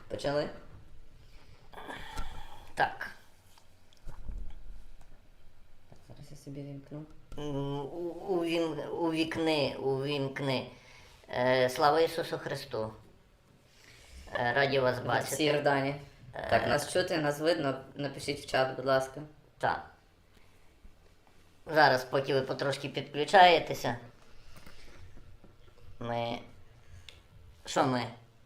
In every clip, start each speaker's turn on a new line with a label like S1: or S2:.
S1: Почали?
S2: Так.
S1: Зараз я собі вімкну.
S2: Увікни. Слава Ісусу Христу. Раді вас
S1: Всі
S2: бачити.
S1: Йордані. Так, нас чути, нас видно. Напишіть в чат, будь ласка.
S2: Так. Зараз, поки ви потрошки підключаєтеся, Що ми?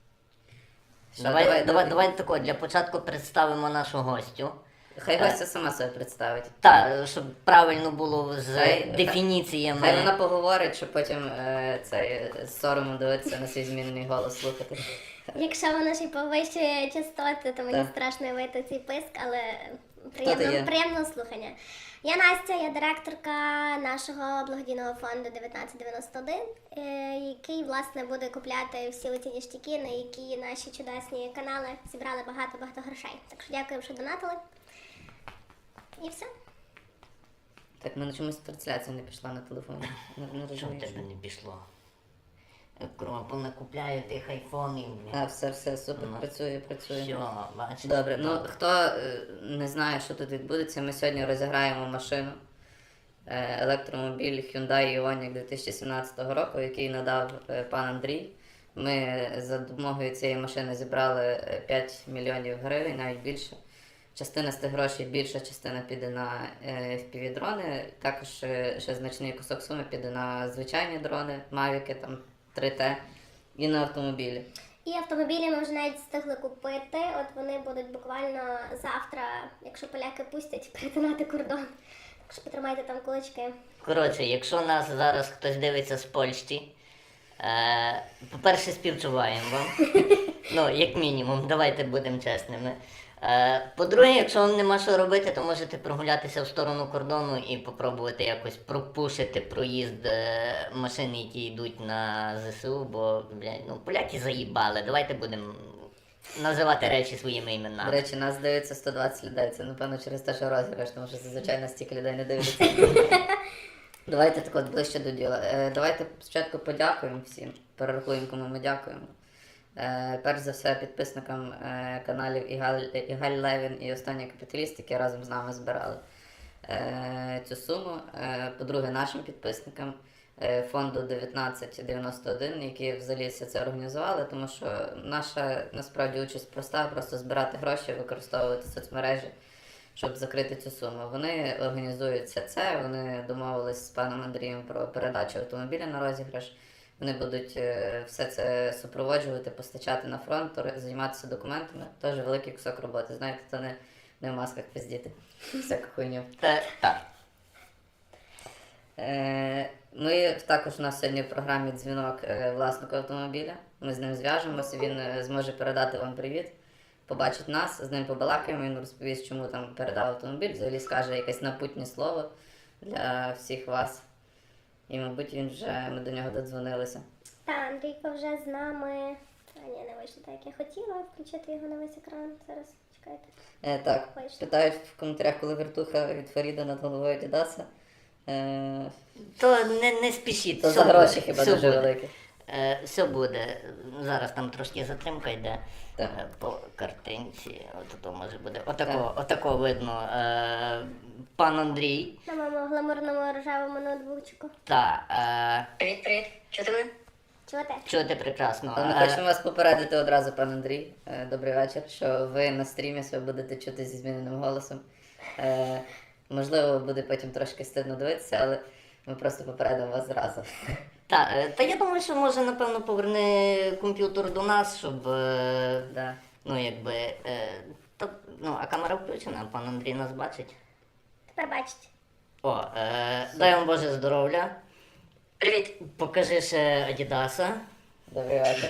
S2: Давайте тако, для початку представимо нашу гостю.
S1: Хай гостя сама себе представить.
S2: Так, щоб правильно було з
S1: Хай
S2: дефініціями.
S1: вона поговорить, щоб потім з соромом дивитися на свій змінений голос слухати.
S3: Якщо воно ще повищує частоти, то мені
S1: Так.
S3: страшно вийти цей писк, але
S1: ти є?
S3: приємного слухання. Я Настя, я директорка нашого благодійного фонду 1991, який, власне, буде купляти всі оці ніштяки, на які наші чудесні канали зібрали багато-багато грошей. Так що дякуємо, що донатили. І все.
S1: Так, в мене чомусь трансляція не пішла на телефоні. Не
S2: Чому в
S1: розумію.
S2: тебе не пішло? Кругом накупляю тих айфонів.
S1: Все, супер, працює.
S2: Все, бачиш.
S1: Добре, ну хто не знає, що тут відбудеться, ми сьогодні розіграємо машину. Електромобіль Hyundai Ioniq 2017 року, який надав пан Андрій. Ми за допомогою цієї машини зібрали 5 мільйонів гривень, навіть більше. Частина з тих грошей, більша частина піде на FPV-дрони, також ще значний кусок суми піде на звичайні дрони, Mavic, там 3T і на автомобілі.
S3: І автомобілі ми вже навіть встигли купити. От вони будуть буквально завтра, якщо поляки пустять, перетинати кордон. Так що потримайте там кулачки.
S2: Коротше, якщо нас зараз хтось дивиться з Польщі, по-перше, співчуваємо вам. Ну, як мінімум, давайте будемо чесними. По-друге, якщо вам нема що робити, то можете прогулятися в сторону кордону і попробувати якось пропушити проїзд машин, які йдуть на ЗСУ, бо, поляки заїбали. Давайте будемо називати речі своїми
S1: До
S2: іменами.
S1: речі, нас дивиться 120 людей, це напевно через те, що розіграш, тому що зазвичай нас стільки людей не дивляться. Давайте так от ближче до діла. Давайте спочатку подякуємо всім, перерахуємо, кому ми дякуємо. Перш за все підписникам каналів Ігаль Левін і Останній Капіталіст, які разом з нами збирали цю суму. По-друге, нашим підписникам фонду 1991, які взагалі все це організували, тому що наша насправді участь проста, просто збирати гроші, використовувати соцмережі, щоб закрити цю суму. Вони організують все це, вони домовились з паном Андрієм про передачу автомобіля на розіграш. Вони будуть все це супроводжувати, постачати на фронт, займатися документами. Теж великий кусок роботи. Знаєте, то не в масках пиздіти. Всяку хуйню.
S2: Так.
S1: Ми також у нас сьогодні в програмі дзвінок власнику автомобіля. Ми з ним зв'яжемося, він зможе передати вам привіт, побачить нас, з ним побалакаємо, він розповість, чому там передав автомобіль, взагалі скаже якесь напутнє слово для всіх вас. І, мабуть, ми до нього додзвонилися.
S3: Та, Андрійко вже з нами. Ні, не вийшло так, як я хотіла включити його на весь екран. Зараз, чекайте.
S1: Так,
S3: Вийшло.
S1: питають в коментарях, коли вертуха від Фаріда над головою Дідаса.
S2: То не спішіть.
S1: То
S2: все
S1: за гроші
S2: буде,
S1: хіба
S2: все
S1: дуже
S2: буде.
S1: великі.
S2: Все буде. Зараз там трошки затримка йде
S1: Так.
S2: по картинці. От може буде. Отако видно. Пан Андрій.
S3: На моєму гламурному рожевому ноутбучку.
S2: Привіт. Чого ти мене?
S3: Чуєте?
S2: Чути прекрасно.
S1: Ми хочемо вас попередити одразу, пан Андрій. Добрий вечір, що ви на стрімі себе будете чути зі зміненим голосом. Можливо, буде потім трошки стидно дивитися, але ми просто попередимо вас зразу.
S2: Та я думаю, що може, напевно, поверне комп'ютер до нас, щоб.
S1: Да.
S2: А камера включена, пан Андрій нас бачить.
S3: Тепер бачите.
S2: Дай вам Боже здоров'я. Привіт. Покажи ще Адідаса.
S1: Добрий вечір.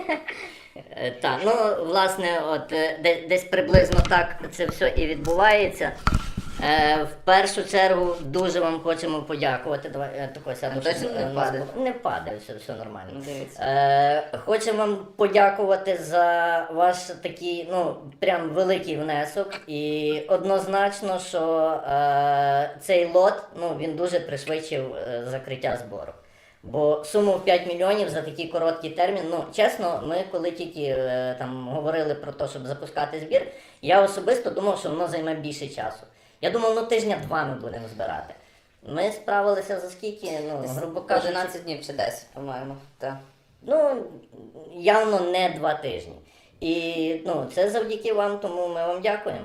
S2: Власне, десь приблизно так це все і відбувається. В першу чергу дуже вам хочемо подякувати. Давай тако сяду.
S1: Точно не падає?
S2: Не падає, все нормально.
S1: Ну, дивіться.
S2: Хочемо вам подякувати за ваш такий, прям великий внесок. І однозначно, що цей лот, він дуже пришвидшив закриття збору. Бо суму в 5 мільйонів за такий короткий термін, ну чесно, ми коли тільки там говорили про те, щоб запускати збір, я особисто думав, що воно займе більше часу. Я думав, ну тижня-два ми будемо збирати. Ми справилися за скільки, ну, грубо кажучи,
S1: 11 днів чи 10, по-моєму. Так.
S2: ну, явно не 2 тижні. І ну, це завдяки вам, тому ми вам дякуємо.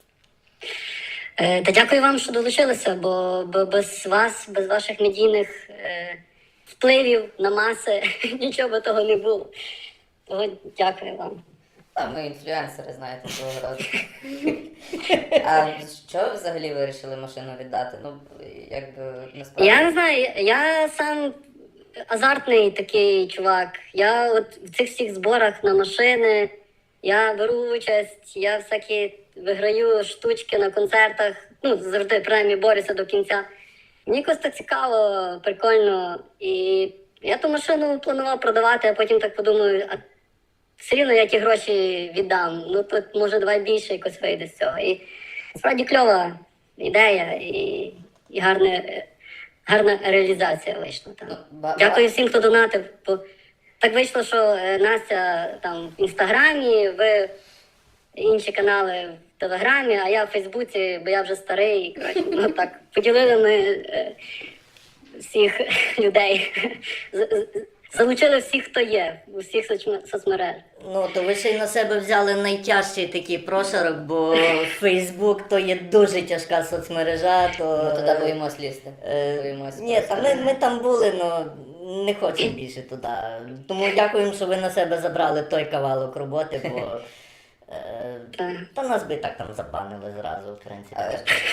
S4: Та дякую вам, що долучилися, бо без вас, без ваших медійних впливів на маси нічого би того не було. Того дякую вам.
S1: Там ми інфлюенсери, знаєте, свого роду. А що ви взагалі вирішили машину віддати? Ну, якби насправді.
S4: Я не знаю, я сам азартний такий чувак. Я от в цих всіх зборах на машини, я беру участь, я всякі виграю штучки на концертах, ну, завжди принаймні борюся до кінця. Мені якось так цікаво, прикольно. І я ту машину планував продавати, а потім так подумаю, а все рівно я ті гроші віддам. Ну тут може давай більше якось вийде з цього. І справді кльова ідея і гарна реалізація вийшла. Там.
S1: Ну,
S4: Дякую всім, хто донатив. Бо так вийшло, що Настя там в Інстаграмі, ви інші канали в Телеграмі, а я в Фейсбуці, бо я вже старий. І, коротше, ну так, поділили ми всіх людей. Залучили всіх, хто є, у всіх соцмереж.
S2: Ну, то ви ще й на себе взяли найтяжчий такий прошарок, бо Фейсбук то є дуже тяжка соцмережа, то...
S1: Ми туди боїмось лізти.
S2: Ні, та ми там були, але не хочемо більше туди. Тому дякуємо, що ви на себе забрали той кавалок роботи, бо... Та нас би і так там забанили зразу, в принципі.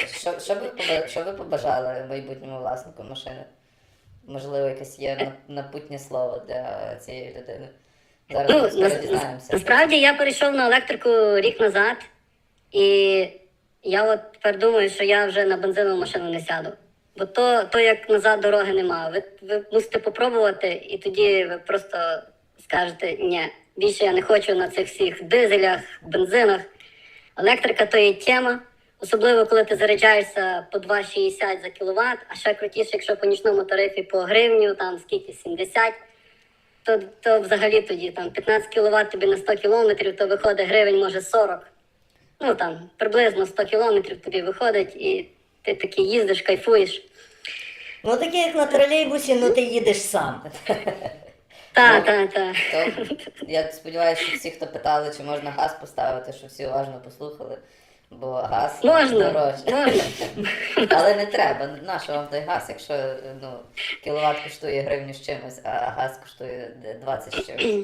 S1: Що ви побажали майбутньому власнику машини? Можливо, якесь є напутнє слово для цієї людини. Зараз ми скоро дізнаємося.
S4: Насправді я перейшов на електрику рік назад, і я от тепер думаю, що я вже на бензинову машину не сяду. Бо то як назад дороги немає. Ви мусите попробувати, і тоді ви просто скажете, ні, більше я не хочу на цих всіх дизелях, бензинах. Електрика то є тема. Особливо, коли ти заряджаєшся по 2,60 за кіловат, а ще крутіше, якщо по нічному тарифі по гривню, там скільки, 70, то взагалі тоді там 15 кіловат тобі на 100 кілометрів, то виходить гривень, може 40. Ну там приблизно 100 кілометрів тобі виходить, і ти такий їздиш, кайфуєш.
S2: Ну таке як на тролейбусі, ну ти їдеш сам.
S4: Так.
S1: То, я сподіваюся, що всі, хто питали, чи можна газ поставити, що всі уважно послухали. Бо газ
S4: Можна.
S1: дорожче. Але не треба. Нащо вам той газ, якщо кіловат коштує гривню з чимось, а газ коштує 20 з чимось.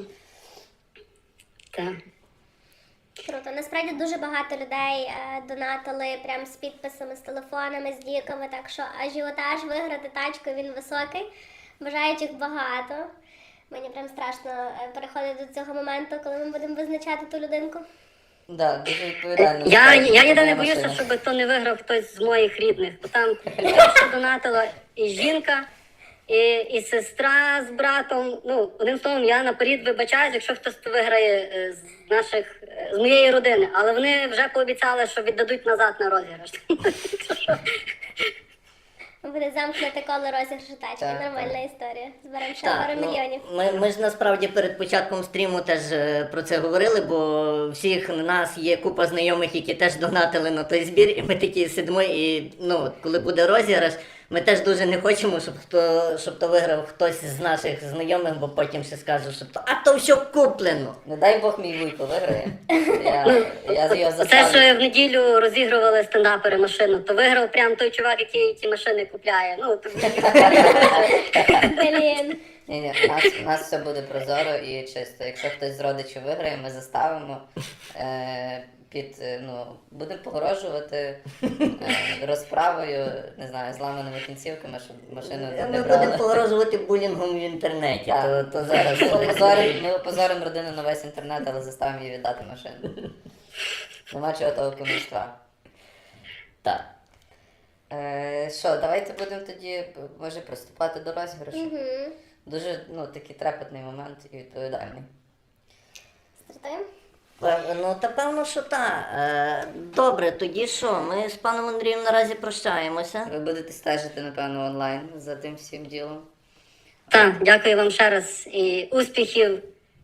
S4: Так.
S3: Круто. Насправді дуже багато людей донатили прям з підписами, з телефонами, з діками, так що ажіотаж виграти тачку, він високий. Бажаючих багато. Мені прям страшно переходити до цього моменту, коли ми будемо визначати ту людинку.
S1: Да, дуже відповідально.
S4: Я єдине
S1: Моя
S4: боюся,
S1: машина.
S4: щоб то не виграв хтось з моїх рідних. Бо там перше донатила і жінка, і сестра з братом. Ну, одним словом, я наперед вибачаюсь, якщо хтось виграє з моєї родини. Але вони вже пообіцяли, що віддадуть назад на розіграш.
S3: Буде замкнути коло розіграшу тачки.
S1: Так,
S3: Нормальна історія. Зберемо ще
S2: Так,
S3: пару мільйонів.
S2: ми ж насправді перед початком стріму теж про це говорили, бо всіх нас є купа знайомих, які теж донатили на той збір, і ми такі сидимо, і коли буде розіграш, ми теж дуже не хочемо, щоб то виграв хтось з наших знайомих, бо потім ще скаже, що то все куплено.
S1: Не дай Бог мій вуйко виграє. Я його
S4: Це
S1: заставлю.
S4: ж в неділю розігрували стендапери машину, то виграв прям той чувак, який ті машини купляє. Ну, то...
S3: Блін.
S1: Ні, у нас все буде прозоро і чисто. Якщо хтось з родичів виграє, ми заставимо будемо погрожувати розправою, не знаю, зламаними кінцівками, щоб машину
S2: Ми
S1: не
S2: будемо
S1: брали.
S2: погрожувати булінгом в інтернеті,
S1: Так.
S2: то зараз...
S1: Ми опозоримо родину на весь інтернет, але заставимо її віддати машину. Нема чого того кумівства.
S2: Так.
S1: Що, давайте будемо тоді, може, приступати до розіграшу.
S3: Угу.
S1: Дуже такий трепетний момент і відповідальний.
S3: Стартуємо?
S2: Ну, та певно, що так. Добре, тоді що? Ми з паном Андрієм наразі прощаємося.
S1: Ви будете стежити, напевно, онлайн за тим всім ділом.
S4: Так, дякую вам ще раз і успіхів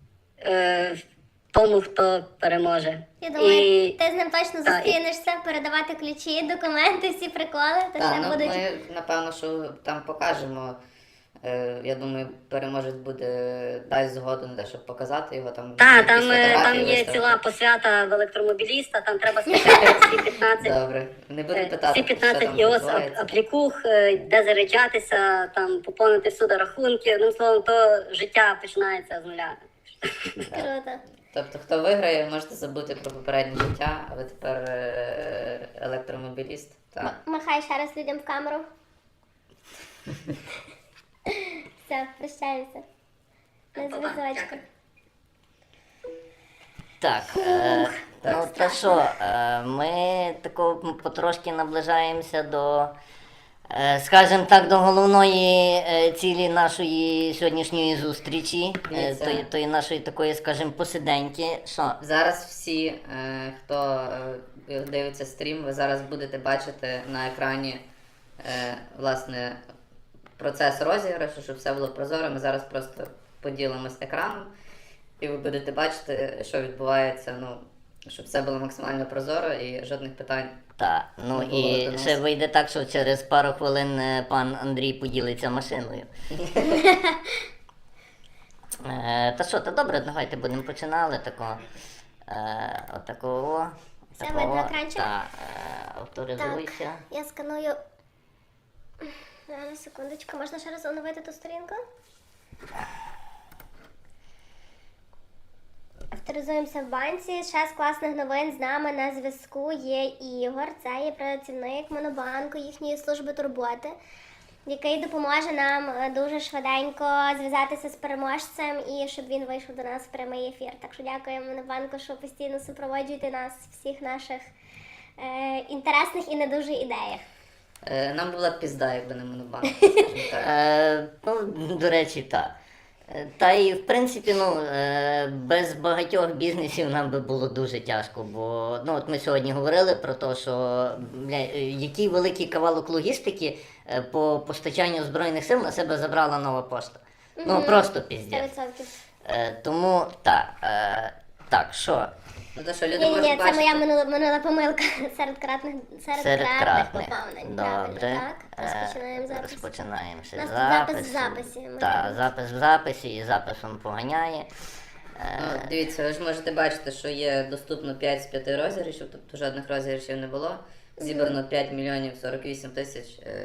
S4: тому, хто переможе.
S3: Я думаю,
S4: І
S3: ти з ним точно
S4: Та, і-
S3: зустрінешся, передавати ключі, документи, всі приколи, то
S1: Так,
S3: ще
S1: ну
S3: будуть.
S1: ми напевно, що там покажемо. Я думаю, переможець буде дасть згоду на те, щоб показати його там.
S4: Так,
S1: якісь
S4: там
S1: фотографії
S4: є
S1: виставити.
S4: ціла посвята в електромобіліста, там треба скачати всі 15.
S1: Добре. Не будемо питати,
S4: Всі 15
S1: що там
S4: іос
S1: відбувається.
S4: аплікух, де заряджатися, там поповнити всюди рахунки. Одним словом, то життя починається з нуля.
S3: Круто.
S1: Тобто, хто виграє, можете забути про попереднє життя, а ви тепер електромобіліст. Так.
S3: Махай ще раз людям в камеру. Все, прощаємося. На зв'язочку.
S2: Так, ну та що, ми тако потрошки наближаємося до, скажімо так, до головної цілі нашої сьогоднішньої зустрічі,
S1: Дивіться.
S2: тої нашої такої, скажімо, посиденьки. Що?
S1: Зараз всі, хто дивиться стрім, ви зараз будете бачити на екрані власне процес розіграшу, щоб все було прозоро. Ми зараз просто поділимось екраном, і ви будете бачити, що відбувається, ну, щоб все було максимально прозоро і жодних питань.
S2: Так, ну
S1: Не було
S2: і
S1: до нас.
S2: ще вийде так, що через пару хвилин пан Андрій поділиться машиною. Та що, та добре, давайте будемо починали тако. Отакого.
S3: Все видно екранчик?
S2: Так, авторизуйся.
S3: Я сканую. Зараз, секундочку, можна ще раз оновити ту сторінку? Авторизуємося в банці. Ще з класних новин з нами на зв'язку є Ігор. Це є працівник Монобанку, їхньої служби турботи, який допоможе нам дуже швиденько зв'язатися з переможцем і щоб він вийшов до нас в прямий ефір. Так що дякуємо Монобанку, що постійно супроводжуєте нас в всіх наших інтересних і не дуже ідеях.
S1: Нам була б пізда, якби не монобанк. скажімо так.
S2: Ну, до речі, так. Та і в принципі, ну, без багатьох бізнесів нам би було дуже тяжко, бо ну, от ми сьогодні говорили про те, що бля, який великий кавалок логістики по постачанню Збройних сил на себе забрала Нова Пошта. Ну просто піздець.
S3: 100%.
S2: Тому так, що?
S1: Ну то що, люди
S3: Ні,
S1: можуть
S3: ні, це
S1: бачити.
S3: моя минула помилка серед кратних
S2: Серед кратних.
S3: поповнень.
S2: Добре.
S3: Правильно, так? Розпочинаємо запис.
S2: Розпочинаємо ще
S3: У нас тут
S2: запис.
S3: запис в записі. Ми
S2: Так,
S3: робимо.
S2: запис в записі і записом поганяє.
S1: Ну, дивіться, ви ж можете бачити, що є доступно 5 з 5 розіграшів, тобто жодних розіграшів не було. Зібрано 5 мільйонів 48 тисяч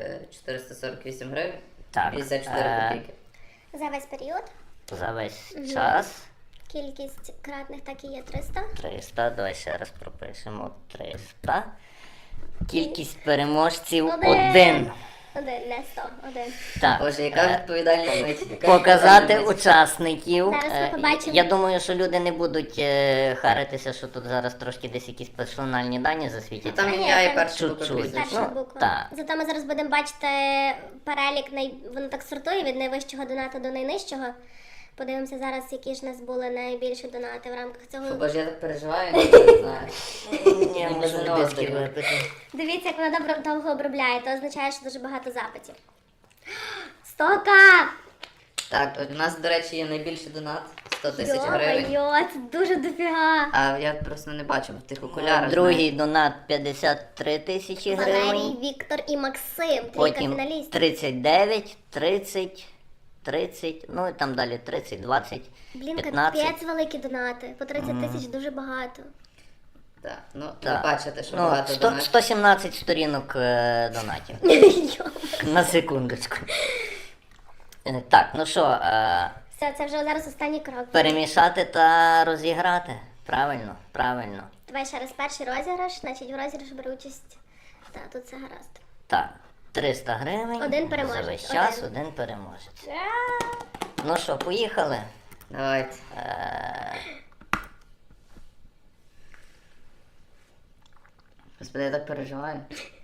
S1: 448 гривень.
S2: Так,
S1: 54 копійки.
S3: За весь період.
S2: За весь час
S3: Кількість кратних так і є 300.
S2: 300, давай ще раз пропишемо 300. Кількість переможців
S3: Один.
S2: 1.
S3: Один, не 100, один.
S2: Так.
S1: Боже, яка відповідальність. яка
S2: Показати
S1: відповідальність.
S2: учасників.
S3: Зараз ми побачимо.
S2: Я думаю, що люди не будуть харитися, що тут зараз трошки десь якісь персональні дані засвітяться.
S1: Там
S3: Ні,
S1: ім'я і
S3: там
S1: перша буква
S2: чуть-чуть.
S1: прізвища.
S3: Перша
S2: Ну,
S3: буква.
S2: так.
S3: Зато ми зараз будемо бачити перелік, воно так сортує від найвищого донату до найнижчого. Подивимося зараз, які ж в нас були найбільші донати в рамках цього.
S1: Боже, я так переживаю, я не знаю.
S2: Ні,
S1: Ніби
S2: можу
S1: за
S2: диски
S1: нього
S2: випити.
S3: Дивіться, як вона довго обробляє, то означає, що дуже багато запитів. 100к!
S1: Так, у нас, до речі, є найбільший донат 100 тисяч гривень.
S3: Йо-йо, це дуже дофіга.
S1: А я просто не бачив в тих окулярах.
S2: Другий донат 53 тисячі
S3: Валерій,
S2: гривень.
S3: Віктор і Максим, трійка
S2: Потім
S3: фіналістів.
S2: 39, 30, ну і там далі 30, 20,
S3: Блін,
S2: 15.
S3: капець великі донати. По 30 тисяч дуже багато.
S1: Так, ну
S2: Так.
S1: ви бачите, що
S2: Ну,
S1: багато
S2: 100,
S1: донатів.
S2: 117 сторінок донатів.
S3: Йо.
S2: На секундочку. Так, ну що,
S3: Все, це вже зараз останній крок.
S2: перемішати та розіграти. Правильно, правильно.
S3: Давай ще раз перший розіграш, значить в розіграш бере участь. Так, тут все гаразд.
S2: Так, 300 гривень.
S3: Один переможець,
S2: За весь час
S3: один.
S2: один переможець. Ну що, поїхали?
S1: Давайте. Господи, я так переживаю.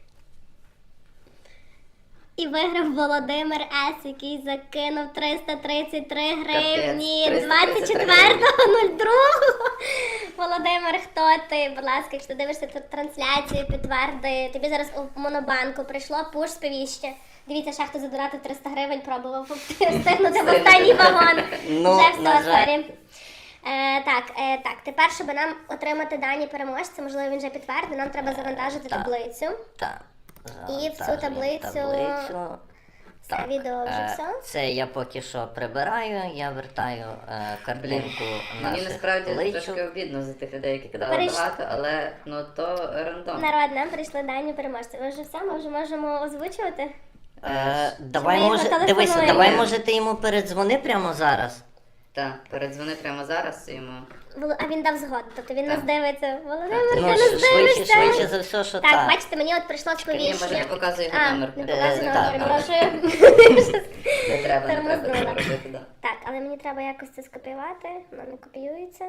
S3: І виграв Володимир С., який закинув 333 гривні
S1: Капець, 333
S3: 24.02. Володимир, хто ти? Будь ласка, якщо ти дивишся тут трансляцію, підтверди. Тобі зараз у Монобанку прийшло пуш-сповіщення. Дивіться, ще хто задонатив 300 гривень, пробував встигнути в останній вагон.
S2: Ну,
S3: Вже
S2: на
S3: все,
S2: жаль.
S3: сорі. Так, тепер, щоб нам отримати дані переможця, можливо, він вже підтвердив, нам треба завантажити таблицю.
S2: Так.
S3: І в цю таблицю- Це
S2: Так,
S3: відео вже все.
S2: Це я поки що прибираю, я вертаю картинку
S1: Мені
S2: наших
S1: насправді
S2: личок.
S1: трошки обідно за тих людей, які кидали
S3: Перейш-
S1: багато, але ну то рандом.
S3: Народ, нам прийшли дані переможця. Ми вже все, ми вже можемо озвучувати.
S2: Давай,
S3: ми
S2: може,
S3: йому
S2: дивися,
S3: телефонуємо?
S2: давай, може, ти йому передзвони прямо зараз.
S1: Так, передзвони прямо зараз йому.
S3: А він дав згоду, тобто він нас дивиться. Володимир, ти
S2: Ну,
S3: нас
S2: швидше
S3: дивишся.
S2: за все, що
S3: Так,
S2: так.
S3: бачите, мені от прийшло
S1: Ні, може
S3: сповіщення.
S1: не показує його
S3: А,
S1: номер.
S3: не показує
S2: так,
S3: номер,
S2: так.
S3: прошу.
S1: Не треба
S3: Тормознула.
S1: цього робити, да.
S3: Так, але мені треба якось це скопіювати, воно не копіюється.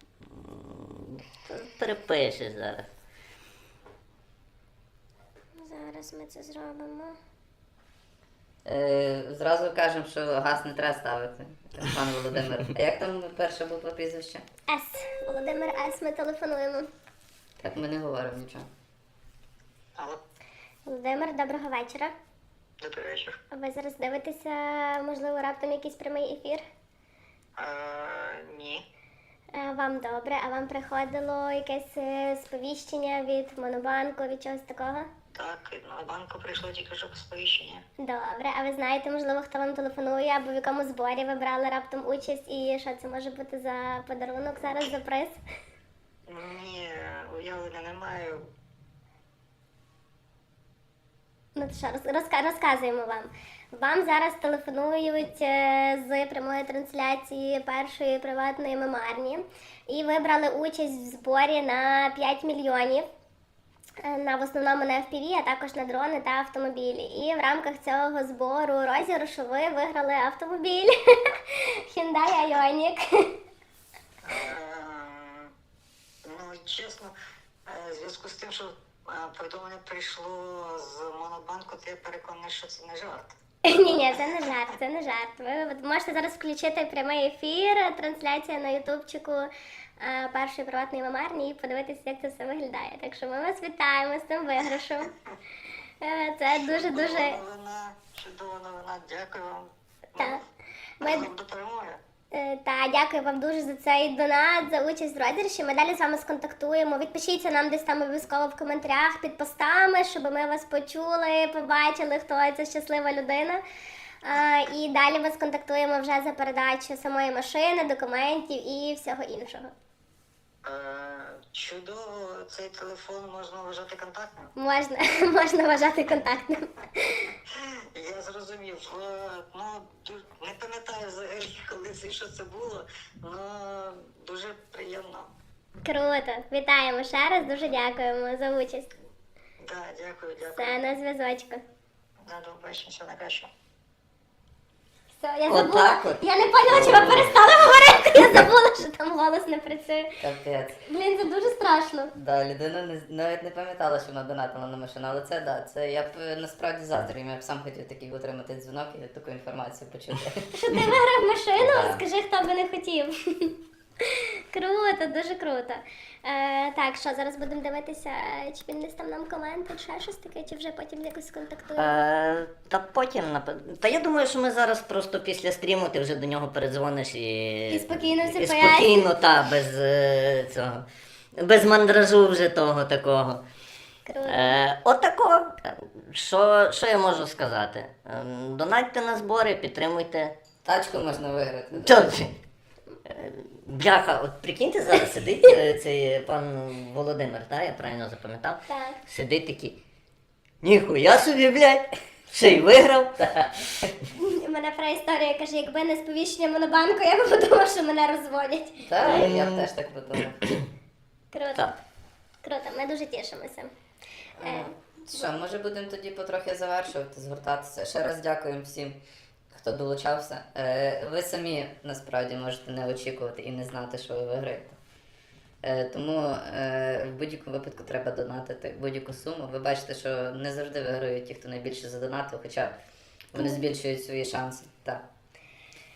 S2: Перепишеш зараз.
S3: Зараз ми це зробимо.
S1: Зразу кажемо, що газ не треба ставити, пан Володимир. А як там перше було прізвище?
S3: С. Володимир С. Ми телефонуємо.
S1: Так ми не говоримо нічого.
S5: Алло,
S3: Володимир, доброго вечора.
S5: добрий вечір.
S3: Ви зараз дивитеся, можливо, раптом якийсь прямий ефір?
S5: Ні.
S3: Вам добре, а вам приходило якесь сповіщення від Монобанку, від чогось такого?
S5: Так, на банку прийшло тільки що сповіщення.
S3: Добре, а ви знаєте, можливо, хто вам телефонує або в якому зборі ви брали раптом участь і що це може бути за подарунок зараз, за приз?
S5: Ні, уявлення немає.
S3: Ну то що, розказуємо вам. Вам зараз телефонують з прямої трансляції першої приватної мемарні і ви брали участь в зборі на 5 мільйонів. В основному на FPV, а також на дрони та автомобілі. І в рамках цього збору розіграшу ви виграли автомобіль Hyundai Ioniq.
S5: Ну, чесно, в зв'язку з тим, що повідомлення прийшло з Монобанку, то я переконаний, що це не жарт.
S3: Ні, це не жарт, це не жарт. Ви можете зараз включити прямий ефір, трансляція на ютубчику першої приватної мемарні і подивитися, як це все виглядає. Так що ми вас вітаємо з тим виграшем. Це дуже-дуже...
S5: Чудова новина, дякую вам.
S3: Так.
S5: Разом до перемоги.
S3: Та дякую вам дуже за цей донат, за участь в розіграші. Ми далі з вами сконтактуємо. Відпишіться нам десь там обов'язково в коментарях під постами, щоб ми вас почули, побачили, хто ця щаслива людина. І далі вас контактуємо вже за передачу самої машини, документів і всього іншого.
S5: Чудово, цей телефон можна вважати контактним.
S3: Можна вважати контактним.
S5: Я зрозумів. Ну, не пам'ятаю взагалі, коли це і що це було, але дуже приємно.
S3: Круто. Вітаємо ще раз, дуже дякуємо за участь.
S5: Так, дякую.
S3: Все, на зв'язочку.
S5: До побачення, все найкраще.
S3: Все, я
S2: Отак
S3: забула.
S2: от.
S3: Я не поняла, чи ви перестали говорити. Я забула, що там голос не працює.
S1: Капець.
S3: Блін, це дуже страшно.
S1: Да, людина навіть не пам'ятала, що вона донатила на машину, але це да, це я б насправді заздрю, я б сам хотів такий отримати дзвінок і таку інформацію почути.
S3: Що ти виграв машину?
S1: Да.
S3: Скажи, хто би не хотів. Круто, дуже круто. Так, що зараз будемо дивитися, чи він десь там нам коментить, ще щось таке, чи вже потім якось контактуємо.
S2: Та потім, та я думаю, що ми зараз просто після стріму ти вже до нього передзвониш
S3: І спокійно все
S2: і
S3: поясниш.
S2: спокійно, та, без цього, без мандражу вже того такого.
S3: Круто.
S2: Отако. Що я можу сказати? Донатьте на збори, підтримуйте.
S1: Тачку можна виграти.
S2: Чорт! Бляха, от прикиньте, зараз сидить цей пан Володимир, так, я правильно запам'ятав?
S3: Так.
S2: Сидить такий. Ніхуя собі, блядь! Ще й виграв.
S3: У мене історія каже, якби не сповіщення Монобанку, я б подумала, що мене розводять.
S1: Так, я б теж так подумав.
S3: Круто.
S2: Так.
S3: Круто, ми дуже тішимося.
S1: Що, може будемо тоді потрохи завершувати, згортатися. Ще раз дякуємо всім, хто долучався. Ви самі насправді можете не очікувати і не знати, що ви виграєте. Тому в будь-якому випадку треба донатити будь-яку суму. Ви бачите, що не завжди виграють ті, хто найбільше задонатив, хоча вони збільшують свої шанси. Так.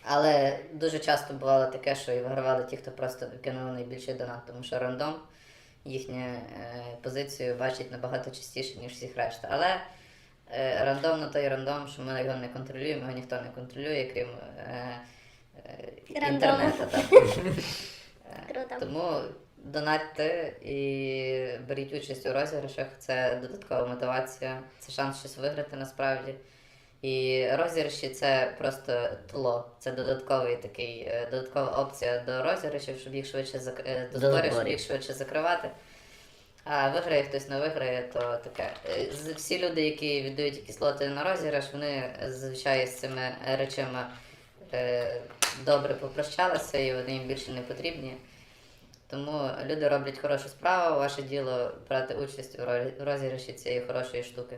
S1: Але дуже часто бувало таке, що і вигравали ті, хто просто кинули найбільший донат, тому що рандом їхню позицію бачить набагато частіше, ніж всіх решта. Але рандом на той рандом, що ми його не контролюємо, його ніхто не контролює, крім
S3: Рандому.
S1: інтернету. Так.
S3: Круто.
S1: Тому донатьте і беріть участь у розіграшах, це додаткова мотивація, це шанс щось виграти насправді. І розіграші це просто тло, це додаткова опція до розіграшів, щоб їх швидше до зборів, щоб їх швидше закривати. А виграє хтось не виграє, то таке. Всі люди, які віддають якісь лоти на розіграш, вони зазвичай з цими речами добре попрощалися і вони їм більше не потрібні. Тому люди роблять хорошу справу, ваше діло брати участь у розіграші цієї хорошої штуки.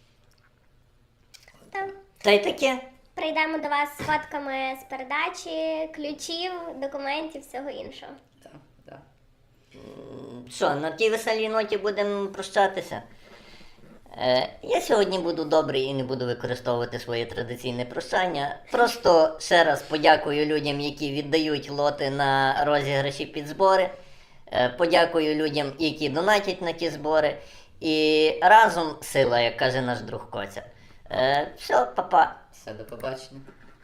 S3: Так.
S2: Та й таке.
S3: Прийдемо до вас з фотками з передачі, ключів, документів, всього іншого.
S1: Так, так.
S2: Що, на тій веселій ноті будемо прощатися? Я сьогодні буду добрий і не буду використовувати своє традиційне прощання. Просто ще раз подякую людям, які віддають лоти на розіграші під збори. Подякую людям, які донатять на ті збори. І разом сила, як каже наш друг Коця. Все, па-па.
S1: Все, до побачення.